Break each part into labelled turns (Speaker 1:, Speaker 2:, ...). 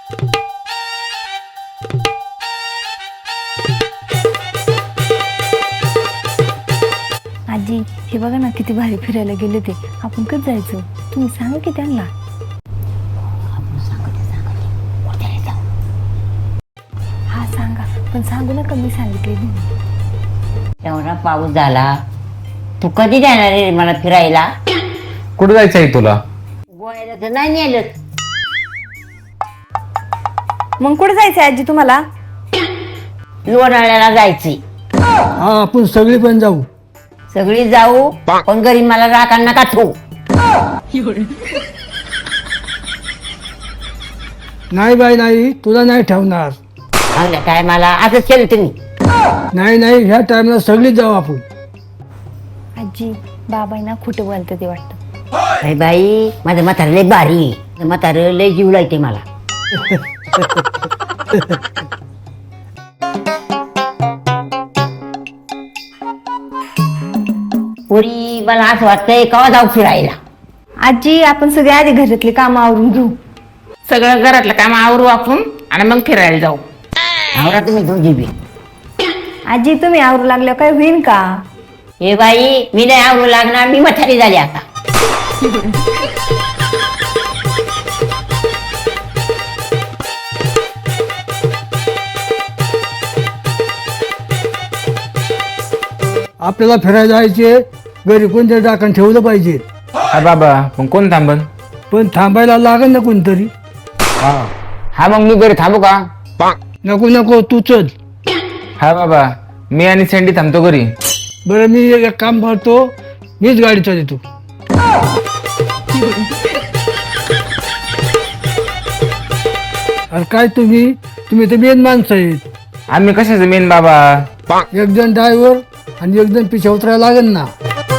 Speaker 1: आजी हे बघा ना किती भारी फिरायला गेले ते. आपण कधी जायचं तुम्ही सांगा की त्यांना. हा सांगा पण सांगू नका मी सांगितले.
Speaker 2: एवढा पाऊस झाला, तू कधी जाणार रे मला फिरायला?
Speaker 3: कुठं जायचं आहे तुला?
Speaker 2: गोव्याला तर नाही नेलं.
Speaker 1: मग कुठे जायचंय आजी तुम्हाला?
Speaker 2: लोणावळ्याला जायचंय.
Speaker 4: हा आपण सगळे पण जाऊ.
Speaker 2: सगळी जाऊ पण घरी मला राखा नका ठेवू.
Speaker 4: नाही बाई नाही, तुला नाही ठेवणार.
Speaker 2: चांगल्या टायमाला असंच केलं तुम्ही.
Speaker 4: नाही नाही, ह्या टाइमला सगळीच जाऊ आपण.
Speaker 1: आजी बाबांना खोटं बोलतं ते वाटतं.
Speaker 2: अरे बाई माझं म्हातारं लय भारी आहे. माझं म्हातारं लय जीव लायते मला. पोरी मला असं वाटतंय केव्हा जाऊ फिरायला.
Speaker 1: आजी आपण सगळे आधी घरातले काम आवरून घेऊ.
Speaker 5: सगळं घरातलं काम आवरू आपण आणि मग फिरायला जाऊ.
Speaker 2: आवरा तुम्ही दोघी बी.
Speaker 1: आजी तुम्ही आवरू लागल्या काय होईन का?
Speaker 2: हे बाई मी नाही आवरू लागणार, मी म्हातारी झाली आता.
Speaker 4: आपल्याला फिरायला जायचे, घरी कोणतरी टाकण ठेवलं पाहिजे.
Speaker 3: हा बाबा पण कोण थांबन?
Speaker 4: पण थांबायला लागेल ना कोणतरी.
Speaker 3: हा मग मी घरी थांबू का?
Speaker 4: नको नको, तू चल.
Speaker 3: हा बाबा मी आणि सँडी थांबतो घरी.
Speaker 4: बरं मी एक काम करतो, मीच गाडी चालवतो. अरे काय तुम्ही तर मेन माणसं आहेत.
Speaker 3: आम्ही कशाचं मेन बाबा?
Speaker 4: एक जण ड्रायव्हर आणि एक जण पिछा उतरायला लागेल ना.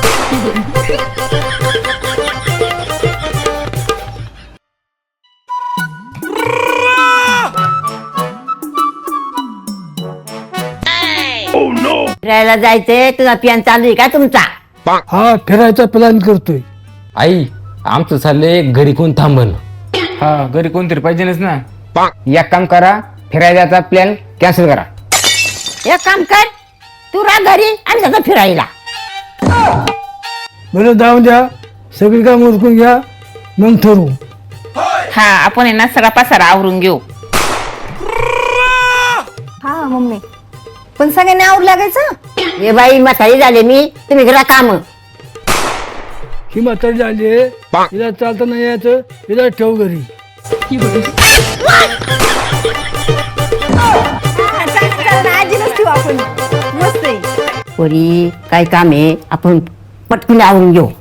Speaker 2: फिरायला जायचंय, तुझा पियान चालू आहे का तुमचा?
Speaker 4: हा फिरायचा प्लॅन करतोय.
Speaker 3: आई आमचं चाललंय घरी कोण थांबन. हा घरी कोणतरी पाहिजेच ना. एक काम करा, फिरायला जायचा प्लॅन कॅन्सल करा.
Speaker 2: एक काम कर, तू राह घरी आणि जातो फिरायला.
Speaker 4: बरं जाऊन द्या, सगळी काम उरकून घ्या, मग ठरवू.
Speaker 5: हा आपण आहे ना सगळा पसारा आवरून घेऊ.
Speaker 1: हा मम्मी पण सगळ्यांनी आवरू लागायचं.
Speaker 2: हे बाई म्हातारी झाले मी, तुम्ही करा काम.
Speaker 4: ही म्हातारी झाली, हिला चालता नाही यायचं, हिला ठेव घरी.
Speaker 1: आजीलाच ठेवू आपण. मस्त आहे.
Speaker 2: पोरी काय काम आहे, आपण पटकन आवरून घेऊ.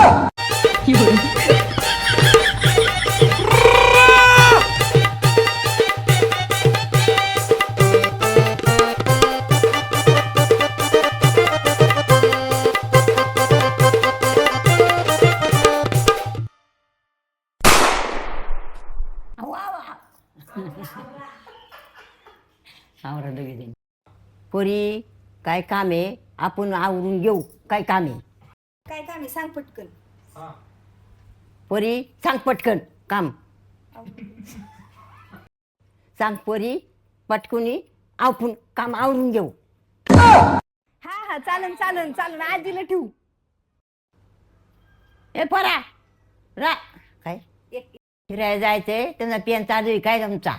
Speaker 2: आवरा दोघीजणी. पोरी काय काम आहे, आपण आवरून घेऊ. काय काम आहे?
Speaker 1: काय काम आहे सांग पटकन.
Speaker 2: पोरी सांग पटकन काम. सांग पोरी पटकुनी आपण काम आवरून घेऊ.
Speaker 1: हा हा चालन चालन चालन आजीला ठेवू.
Speaker 2: ए परा रा काय फिरायला जायचंय, त्यांना पेन चालू आहे काय तुमचा?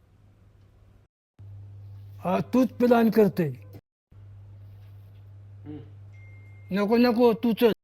Speaker 4: हा तूच प्लॅन करतोय. नको नको, तू चल.